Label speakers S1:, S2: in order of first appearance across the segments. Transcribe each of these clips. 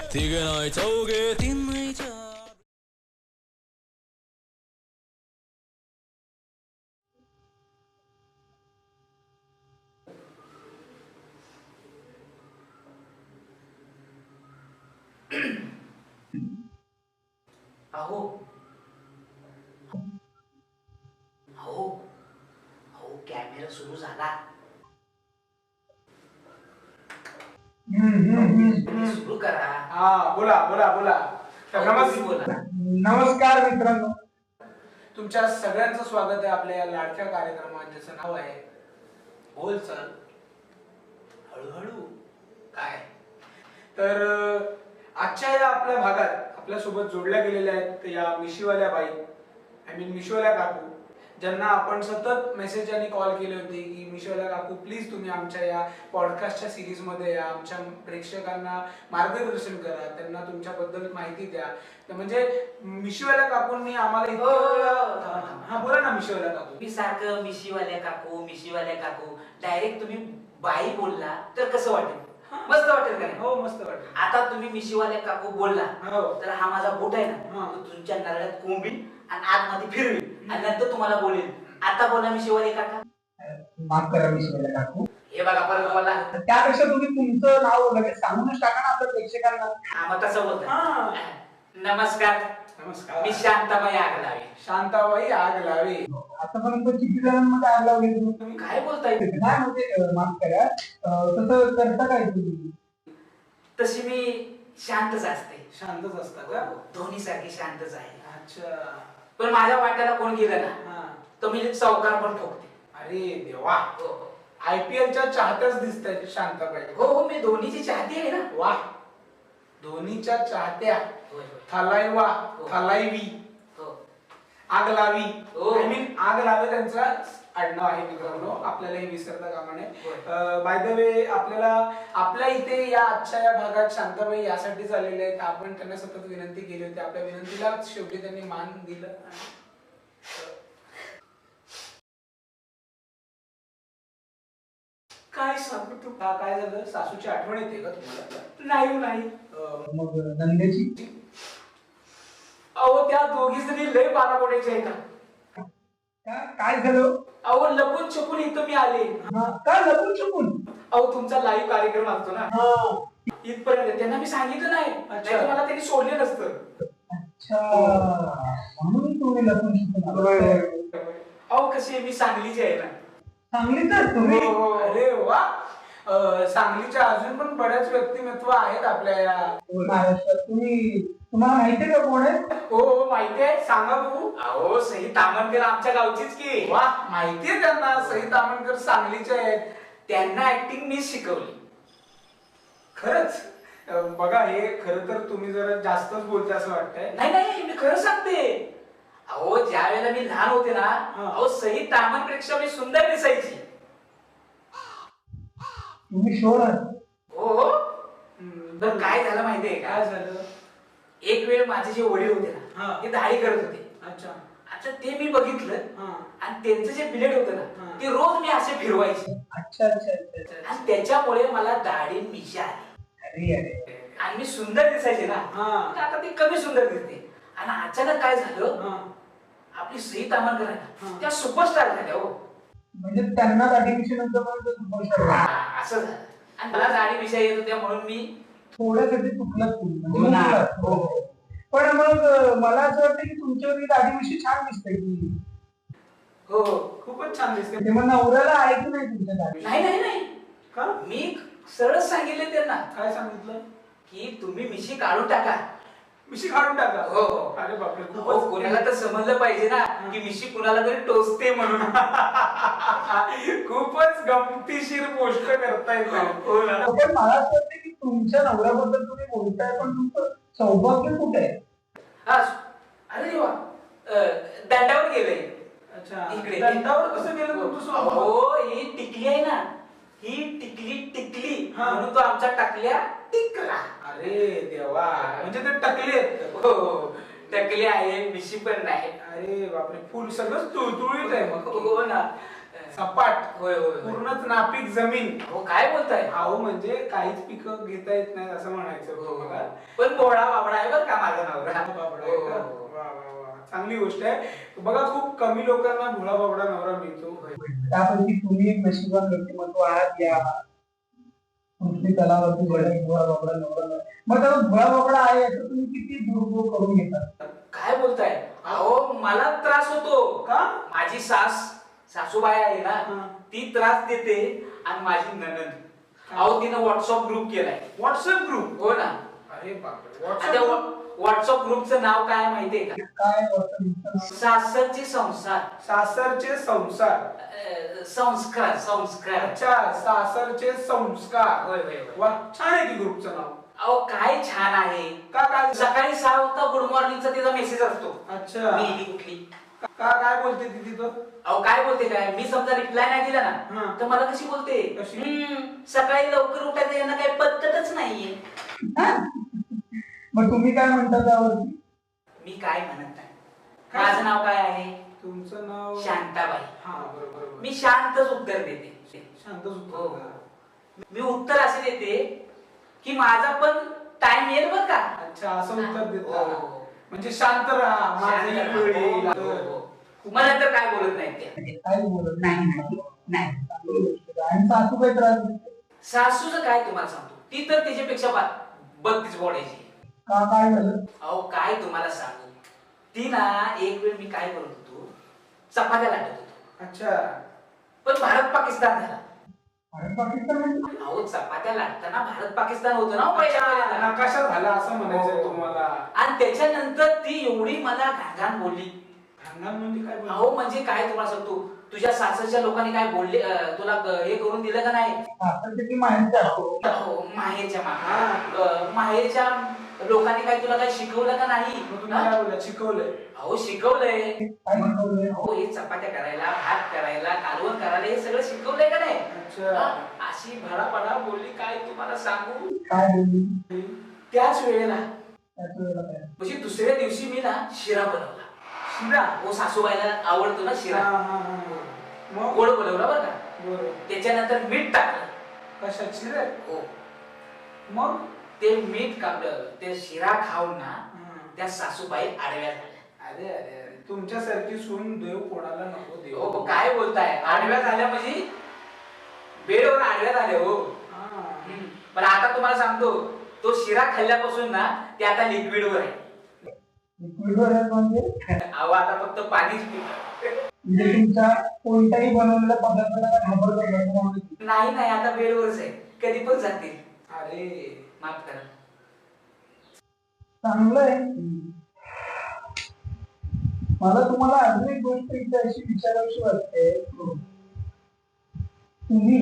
S1: तिघ नाही चौघे तीन नाही चार.
S2: अहो अहो अहो कॅमेरा सुरू झाला. सुरू करा.
S3: हा बोला बोला बोला. नमस्कार मित्रांनो, तुमच्या सगळ्यांचं स्वागत आहे आपल्या या लाडक्या कार्यक्रमात ज्याचं नाव आहे बोल चल हळूहळू. काय तर आजच्या या आपल्या भागात आपल्या सोबत जोडल्या गेलेल्या आहेत या मिशीवाल्या बाई, आय मीन मिशीवाल्या काकू, ज्यांना आपण सतत मेसेज आणि कॉल केले होते की मिशीवाल्या काकू प्लीज तुम्ही आमच्या या पॉडकास्टच्या सिरीज मध्ये या, आमच्या प्रेक्षकांना मार्गदर्शन करा, त्यांना तुमच्याबद्दल माहिती द्या. तर म्हणजे मिशीवाल्या काकूंनी आम्हाला हा बोला ना मिशीवाल्या काकू.
S2: मी सारखं मिशीवाल्या काकू डायरेक्ट तुम्ही बाई बोलला तर कसं वाटेल? मस्त वाटेल का नाही?
S3: हो मस्त वाटेल.
S2: आता तुम्ही मिशीवाल्या काकू बोलला
S3: हो.
S2: तर हा माझा बोट आहे ना, तो तुमच्या नरळ्यात कोंबील आणि आतमध्ये फिरवी आणि नंतर तुम्हाला बोलेल आता बोला मिशीवाले काका.
S4: माफ करा मिशीवाल्या काकू.
S2: हे बघा परत बोला.
S4: त्यापेक्षा तुम्ही तुमचं नाव लगेच सांगूनच टाका ना आपल्या प्रेक्षकांना.
S2: हा मग तसं बोलतो. नमस्कार,
S3: नमस्कार.
S2: मी शांताबाई आगलावे.
S3: शांताबाई आग लावे.
S4: आतापर्यंत किती जणांमध्ये आग लावली तुम्ही?
S2: तुम्ही काय बोलताय?
S4: नाही म्हणजे माफ करा, तसं करता काय तुम्ही?
S2: तशी मी शांतच असते.
S3: शांतच असता का?
S2: दोन्ही सारखी शांतच आहे.
S3: अच्छा.
S2: पण माझ्या वाट्याला कोण गेलं ना
S3: हा.
S2: तर मी चौकार पण ठोकते.
S3: अरे देवा,
S2: हो
S3: आयपीएलच्या चाहत्याच दिसताय शांताबाई.
S2: हो हो, मी धोनीची चाहती आहे ना.
S3: वा, धोनीच्या चाहत्या.
S2: होय, होय.
S3: थलाइवा,
S2: हो.
S3: थलाइवी,
S2: हो.
S3: आग लावी,
S2: हो.
S3: आय मीन आग लावे त्यांचा आडनाव आहे मित्रांनो, आपल्याला हे विसरता कामा नये. बाय द वे आपल्याला आपल्या इथे या आजच्या या भागात शांताबाई यासाठी आलेले आहेत. आपण त्यांना सतत विनंती केली होती, आपल्या विनंतीला शेवटी त्यांनी मान दिलं. काय सांगू तू काय झालं? सासूची आठवण येते का तुम्हाला? नाही.
S4: मग नंदेची?
S3: अहो त्या दोघी जणी लय बाराबोड्याच्या आहेत.
S4: काय झालं?
S3: अहो लपून छपून इथं मी आले.
S4: काय लपून छपून?
S3: अहो तुमचा लाईव्ह कार्यक्रम असतो ना, इथपर्यंत त्यांना मी सांगितलं नाही, नाहीतर मला त्यांनी सोडले नसतं.
S4: अच्छा, म्हणून तुम्ही लपून छपून.
S3: अहो कशी मी सांगलीची आहे ना.
S4: सांगलीच तुम्ही?
S3: अरे वा, सांगलीच्या अजून पण बऱ्याच व्यक्तिमत्व आहेत आपल्या या
S4: महाराष्ट्रात. तुम्हाला माहितीये का कोण आहे?
S3: हो माहिती आहे, सांगा बघू.
S2: अहो सई तामणकर आमच्या गावचीच की.
S3: वा, माहितीये त्यांना. सई तामणकर सांगलीचे आहेत.
S2: त्यांना ऍक्टिंग मी शिकवली.
S3: खरंच? बघा हे खरं तर तुम्ही जरा जास्तच बोलते असं वाटतंय.
S2: नाही मी खरं सांगते. अहो ज्या वेळेला मी लहान होते ना, अहो सई तामणपेक्षा मी सुंदर दिसायची.
S4: तुम्ही शोर आहात?
S2: हो. तर काय झालं माहितीये का?
S3: काय झालं?
S2: एक वेळ माझे जे वडील होते
S3: हा.
S2: ना, ते दाढी करत होते.
S3: अच्छा.
S2: आता ते मी बघितलं आणि त्यांचं जे बिलेट होतं ना, ते रोज मी असे फिरवायचे.
S4: अच्छा.
S2: आणि त्याच्यामुळे मला दाढी मिशा आली.
S4: अरे
S2: आणि मी सुंदर दिसायचे ना, तर आता ती कमी सुंदर दिसते. आणि अचानक काय झालं, आपली सई तामणकर आहे ना, त्या सुपरस्टार झाल्या. हो
S4: म्हणजे त्यांना आर्टिफिशियल
S2: असं झालं. आणि मला दाढी मिशा येत होत्या म्हणून मी
S4: थोड्यासाठी चुकलं तुम्ही. पण मग मला असं वाटतं की तुमच्यावर दाढी छान दिसते की.
S3: हो खूपच छान दिसते.
S4: ते मग नवऱ्याला आहे की नाही तुमच्या दाढी?
S2: नाही
S3: का?
S2: मी सरळच सांगितले त्यांना
S3: काय सांगितलं?
S2: की तुम्ही मिशी काढून टाका.
S3: मिशी काढून टाका?
S2: हो.
S3: अरे बापरे,
S2: हो, कोणाला तर समजलं पाहिजे ना की मिशी कुणाला तरी टोचते म्हणून.
S3: खूपच गमतीशीर गोष्ट करताय.
S2: हो ना.
S4: पण मला असं वाटतं की तुमच्या नवऱ्याबद्दल तुम्ही बोलताय, पण तुमचं सौभाग्य कुठे आहे?
S2: अरे देवा, दंडावर गेलंय.
S3: अच्छा,
S2: इकडे
S3: दंडावर कसं गेलं तुमचं सौभाग्य?
S2: हो, ही टिकली आहे ना, ही टिकली म्हणून तो आमचा टाकल्या टिकला.
S3: अरे देवा, म्हणजे ते टकले आहेत.
S2: हो, टकले आहे, मिशी पण नाही.
S3: अरे बापरे, फुल सगळं तुळतुळीत आहे मग.
S2: हो ना.
S3: सपाट
S2: होय होय होय.
S3: पूर्णच नापीक जमीन.
S2: हो काय बोलताय
S3: अहो म्हणजे काहीच पिकं घेता येत नाही असं म्हणायचं होतं मला.
S2: पण भोळा बाबडा आहे बरं का माझा नवरा.
S3: बाबडा आहे का? वा वा वा, चांगली गोष्ट आहे. बघा खूप कमी लोकांना भोळा बाबडा नवरा मिळतो.
S4: त्यापैकी तुम्ही एक नशिबान व्यक्तिमत्व आहात या पृथ्वी तलावरती भोळा बाबडा नवरा. मग त्याला भोळा बाबडा आहे याचा तुम्ही किती दुरुपयोग करून घेतात?
S2: काय बोलताय अहो मला त्रास होतो
S3: का?
S2: माझी सासूबाई आहे ना ती त्रास देते आणि माझी नणंद अहो तिनं व्हॉट्सअप ग्रुप केलाय.
S3: WhatsApp group?
S2: हो ना.
S3: अरे बापरे.
S2: आता व्हॉट्सअप ग्रुपचं नाव काय माहितीये का?
S4: काय WhatsApp?
S2: सासरचे संसार.
S3: सासरचे संसार.
S2: संस्कार संस्कार.
S3: अच्छा, सासरचे संस्कार.
S2: होय होय होय.
S3: वा, छान आहे की ग्रुपचं नाव.
S2: अहो काय छान आहे.
S3: का काय?
S2: सकाळी 6 वाजता गुड मॉर्निंगचा तिचा मेसेज असतो.
S3: अच्छा.
S2: मी कुठली
S3: का काय बोलते ती तिथं?
S2: अहो काय बोलते काय मी समजा रिप्लाय नाही दिला
S3: हा.
S2: ना तर मला कशी बोलते
S3: कशी?
S2: सकाळी लवकर उठायचं यांना काही पद्धतच नाहीये.
S4: मग तुम्ही काय म्हणता त्यावरती?
S2: मी काय म्हणत नाही. माझं नाव काय आहे?
S3: तुमचं नाव?
S2: शांताबाई.
S3: हा बरोबर बरोबर.
S2: मी शांतच उत्तर देते.
S3: शांतच
S2: हो.
S3: उत्तर द्या.
S2: मी उत्तर असे देते की माझा पण टाइम येईल बर का.
S3: अच्छा, असं उत्तर देता.
S2: हो.
S3: म्हणजे शांत राहा, माझं
S2: शांत
S3: वेळ
S2: राहा.
S3: येईल.
S2: हो, हो, हो. मला तर काय बोलत नाही ते.
S4: काय बोलत नाही. आणि सासू काय त्रास देते?
S2: सासूचं काय तुम्हाला सांगतो ती तर त्याच्यापेक्षा 32 बोलायची.
S4: का काय झालं?
S2: अहो काय तुम्हाला सांगू ती ना एक वेळ मी काय करत होतो चपात्या लाटत होतो.
S3: अच्छा.
S2: पण भारत पाकिस्तान झाला.
S4: भारत पाकिस्तान म्हणजे?
S2: अहो चपात्या लाटताना भारत पाकिस्तान होतं ना हो
S3: अच्छा,
S2: पहिल्या.
S3: नकाशा झाला असं म्हणायचंय
S2: हो.
S3: तुम्हाला.
S2: आणि त्याच्यानंतर ती एवढी मला घाण बोलली.
S3: भांडण म्हणजे काय बोलतो?
S2: अहो म्हणजे काय तुम्हाला सांगतो तुझ्या सासरच्या लोकांनी काय बोलले तुला हे करून दिलं का नाही?
S4: सासरचे की माहिती असतो?
S2: हो, माहेरच्या लोकांनी काय तुला काय शिकवलं का नाही?
S3: मग तुम्ही काय बोलला? शिकवलंय?
S2: अहो शिकवलंय.
S4: काय शिकवलंय?
S2: अहो हे चपात्या करायला भात करायला कालवण करायला हे सगळं शिकवलंय का नाही?
S3: अच्छा.
S2: हा? अशी भडाभडा बोलली काय तुम्हाला सांगू.
S4: काय बोलली?
S2: त्याच वेळेला
S4: त्याच वेळेला काय?
S2: म्हणजे दुसऱ्या दिवशी मी ना शिरा बनवला.
S3: शिरा?
S2: हो सासूबाईला आवडतो ना
S3: हा
S2: शिरा.
S3: हा हा. मग?
S2: गोड बनवला बरं का.
S3: बरोबर.
S2: त्याच्यानंतर मीठ टाकलं.
S3: कशात? शिऱ्यात?
S2: हो.
S3: मग?
S2: ते मीठ कापलं ते शिरा खाऊन ना
S3: हम्म.
S2: त्या सासूबाई आडव्या झाल्या.
S3: अरे अरे अरे, तुमच्यासारखी सून देव कोणाला नको देव.
S2: हो काय बोलताय आडव्या झाल्या म्हणजे बेडवर आडव्या झाल्या हो.
S3: हा.
S2: पण आता तुम्हाला सांगतो तो शिरा खाल्ल्यापासून ना ते आता लिक्विडवर आहे.
S4: लिक्विडवर आहे म्हणजे?
S2: अहो आता फक्त पाणीच पितं.
S4: म्हणजे तुमच्या कोणत्याही बनवलेल्या पदार्थाला घाबरत
S2: नाही नाही आता बेडवरच आहे कधी पण जातील.
S3: अरे
S2: माफ करा.
S4: चांगलं आहे. मला तुम्हाला अजून एक गोष्ट इथे अशी विचारावीशी वाटते. तुम्ही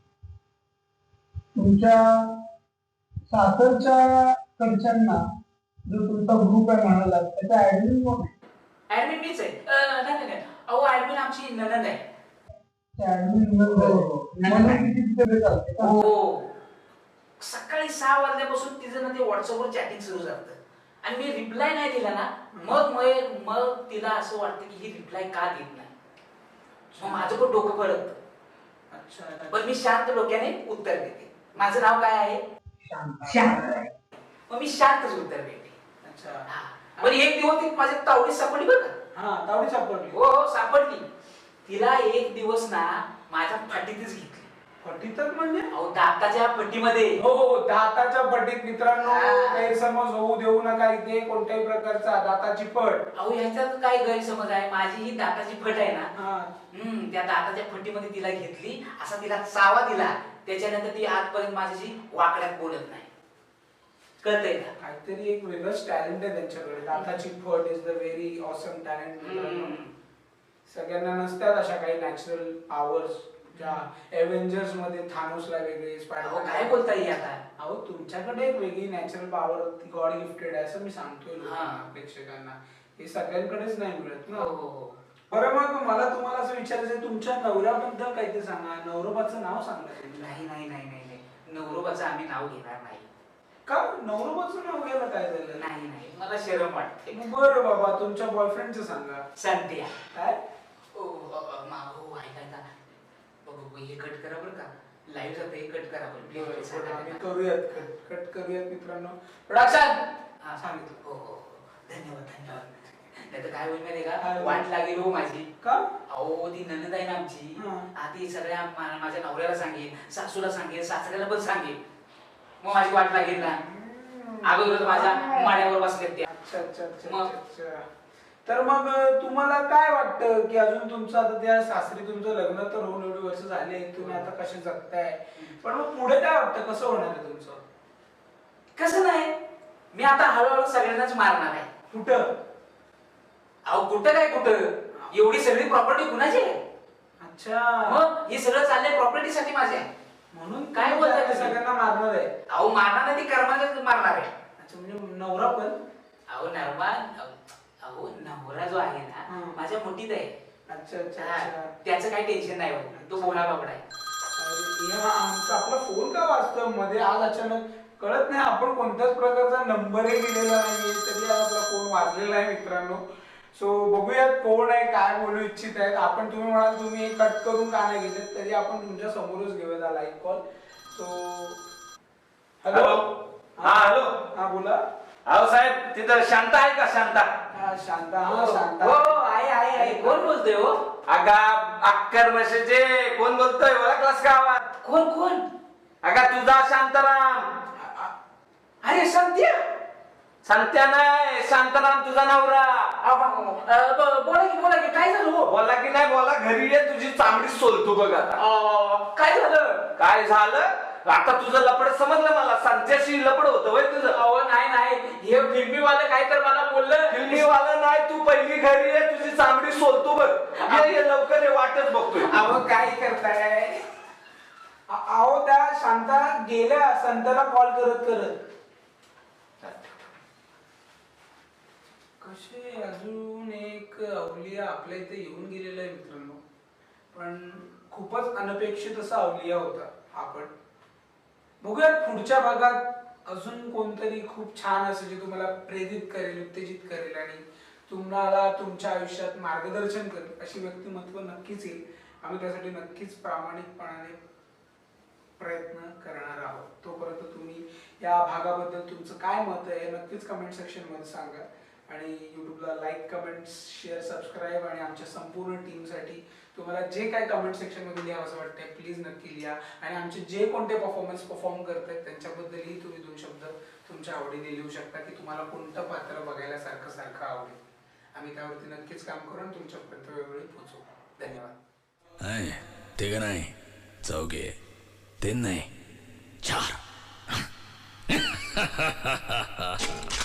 S4: तुमच्या सासरच्या कडच्यांना जो तुमचा ग्रुप आहे म्हणाला त्याचा ऍडमिन कोण आहे?
S2: ऍडमिन मीच आहे. नाही नाही अहो ऍडमिन आमची ननंद आहे.
S4: म्हणून किती तिथे चालते का?
S2: हो सकाळी 6 वाजल्यापासून तिचं ना ते व्हॉट्सअपवर चॅटिंग सुरू झालं आणि मी रिप्लाय नाही दिला ना मग तिला असं वाटतं की ही रिप्लाय का देत नाही. मग माझं पण डोकं पडत.
S3: अच्छा.
S2: पण मी शांत डोक्याने उत्तर देते. माझं नाव काय आहे?
S4: शांत.
S2: मग मी शांतच उत्तर देते.
S3: अच्छा.
S2: हा. पण एक दिवस ती माझ्या तावडी सापडली बरं का.
S3: हा, तावडी सापडली.
S2: हो हो सापडली. तिला एक दिवस ना माझ्या फाटीतच घेतली.
S3: फटीतच म्हणजे?
S2: अहो दाताच्या फटीमध्ये.
S3: हो हो, दाताच्या फटीत. मित्रांनो
S2: हा.
S3: गैरसमज होऊ देऊ नका इथे कोणत्याही प्रकारचा. दाताची फट.
S2: अहो ह्याच्यात काय गैरसमज आहे माझी ही दाताची फट आहे ना.
S3: हा.
S2: त्या दाताच्या फटीमध्ये तिला घेतली असा तिला चावा दिला त्याच्यानंतर ती आजपर्यंत माझ्याशी वाकड्यात बोलत नाही. कळतंय का?
S3: काहीतरी एक वेगळंच टॅलेंट आहे त्यांच्याकडे. दाताची फट is the very awesome talent. सगळ्यांना नसतात अशा काही नॅचरल पॉवर्स ज्या एव्हेंजर्स मध्ये थानोसला वेगळे,
S2: अहो
S3: स्पायडरमॅन.
S2: काय बोलता येईल आता.
S3: अहो तुमच्याकडे एक वेगळी नॅचरल पॉवर गॉड गिफ्टेड आहे असं मी सांगतोय
S2: हा.
S3: लोकांना, प्रेक्षकांना. हे सगळ्यांकडेच नाही मिळत ना.
S2: हो हो हो.
S3: बरं मग मला तुम्हाला असं विचारायचं आहे, तुमच्या नवऱ्याबद्दल काही ते सांगा. नवरोबाचं नाव सांगा तुम्ही.
S2: नाही नाही नाही नाही नाही नवरोबाचं आम्ही नाव घेणार नाही.
S3: का? नवरोबाचं नाव घ्यायला काय झालं?
S2: नाही नाही मला शरम वाटते.
S3: बरं बाबा तुमच्या बॉयफ्रेंडचं सांगा.
S2: संत्या.
S3: काय?
S2: हो ऐका हे कट करा बरं का, लाईव्ह जातं, हे कट करा बरं प्लीज.
S3: आम्ही करूयात कट करूयात मित्रांनो.
S2: प्रोडक्शन
S3: हा सांगितलं.
S2: हो हो धन्यवाद धन्यवाद. नाही तर काय होईल माहिती का,
S3: काय?
S2: वाट लागेल हो माझी.
S3: का?
S2: अहो ती ननद आहे ना आमची,
S3: हा.
S2: आधी सगळ्या माझ्या नवऱ्याला सांगेल, सासूला सांगेल, सासऱ्याला पण सांगेल, मग माझी वाट लागेल ना. अगोदर माझ्या माड्यावर बसलेत त्या.
S3: अच्छा अच्छा अच्छा
S2: मग?
S3: अच्छा. तर मग तुम्हाला काय वाटतं की अजून तुमचं आता त्या सासरी तुमचं लग्न तर होऊन एवढी वर्ष झाले, तुम्ही आता कसे जगताय, पण मग पुढे काय वाटतं, कसं होणार आहे तुमचं?
S2: कसं नाही, मी आता हळूहळू सगळ्यांनाच मारणार आहे.
S3: कुठं?
S2: अहो कुठं काय कुठं, एवढी सगळी प्रॉपर्टी कुणाची आहे?
S3: अच्छा,
S2: मग हे सगळं चाललंय प्रॉपर्टी साठी माझ्या.
S3: म्हणून
S2: काय
S3: तुम्ही
S2: बोलताय
S3: त्या
S2: तुम्ही?
S3: सगळ्यांना मारणार आहे?
S2: अहो मारणार नाही, ती कर्माला मारणार आहे.
S3: अच्छा, म्हणजे नवरा पण?
S2: अहो अहो नवरा जो आहे ना
S3: हं.
S2: माझ्या मुठीत आहे.
S3: अच्छा अच्छा
S2: हा,
S3: अच्छा.
S2: त्याचं काही टेन्शन नाही होत, तो भोळा बाबडा आहे.
S3: अरे, हे आमचा आपला फोन का वाजतो मध्ये आज अचानक, कळत नाही, आपण कोणत्याच प्रकारचा नंबरही दिलेला नाहीये तरी आज आपला फोन वाजलेला आहे मित्रांनो. सो बघूयात कोण आहे, काय बोलू इच्छित आहेत आपण. तुम्ही म्हणाल तुम्ही हे कट करून का नाही घेतले, तरी आपण तुमच्या समोरच घेऊया लाईव्ह कॉल. So hello.
S5: हा हॅलो.
S3: हा बोला.
S5: अहो साहेब तिथं शांता आहे का? शांता
S3: हा शांता. हा शांता.
S2: हो आहे कोण बोलतोय हो?
S5: अगा अक्कर म्हशीचे कोण बोलतोय, ओळखलास का आवाज?
S2: कोण कोण?
S5: अगा तुझा शांताराम.
S2: अरे संत्या.
S5: संत्या नाही, शांताराम तुझा नवरा.
S2: बोला की काय झालं हो?
S5: बोला की नाही बोला, घरी ये, तुझी चांगली सोलतो बघ आता.
S2: काय झालं?
S5: काय झालं आता? तुझं लपड समजलं मला, संत्याशी लपड होतं वय तुझं?
S2: अहो नाही हे फिल्मीवालं काय तर मला बोललं.
S5: फिल्मीवाला नाही, तू पहिली घरी ये, तुझी चांगली सोलतो बघ. ये लवकर ये, वाटच बघतोय.
S3: अहो काय करताय? अहो त्या शांता गेल्या संताला कॉल करत करत. कसे अजून एक अवलिया आपल्या इथे येऊन गेलेला आहे मित्रांनो, पण खूपच अनपेक्षित असा अवलिया होता हा. पण बघूयात पुढच्या भागात अजून कोणतरी खूप छान असं जे तुम्हाला प्रेरित करेल, उत्तेजित करेल आणि तुम्हाला तुमच्या आयुष्यात मार्गदर्शन करेल अशी व्यक्तिमत्व नक्कीच येईल. आम्ही त्यासाठी नक्कीच प्रामाणिकपणाने प्रयत्न करणार आहोत. तोपर्यंत तुम्ही या भागाबद्दल तुमचं काय मत आहे हे नक्कीच कमेंट सेक्शन मध्ये सांगा. आणि यूट्यूबला लाईक, कमेंट्स, शेअर, सबस्क्राईब आणि आमच्या संपूर्ण टीमसाठी तुम्हाला जे काय कमेंट सेक्शनमध्ये लिहा असं वाटतंय प्लीज नक्की लिहा. आणि आमचे जे कोणते परफॉर्म करत आहेत त्यांच्याबद्दलही तुम्ही 2 शब्द तुमच्या आवडीने लिहू शकता की तुम्हाला कोणतं पात्र बघायला सारखं आवडेल. आम्ही त्यावरती नक्कीच काम करून तुमच्यापर्यंत वेळोवेळी पोहोचू. धन्यवाद.
S1: ते का नाही चौघे, ते नाही 4.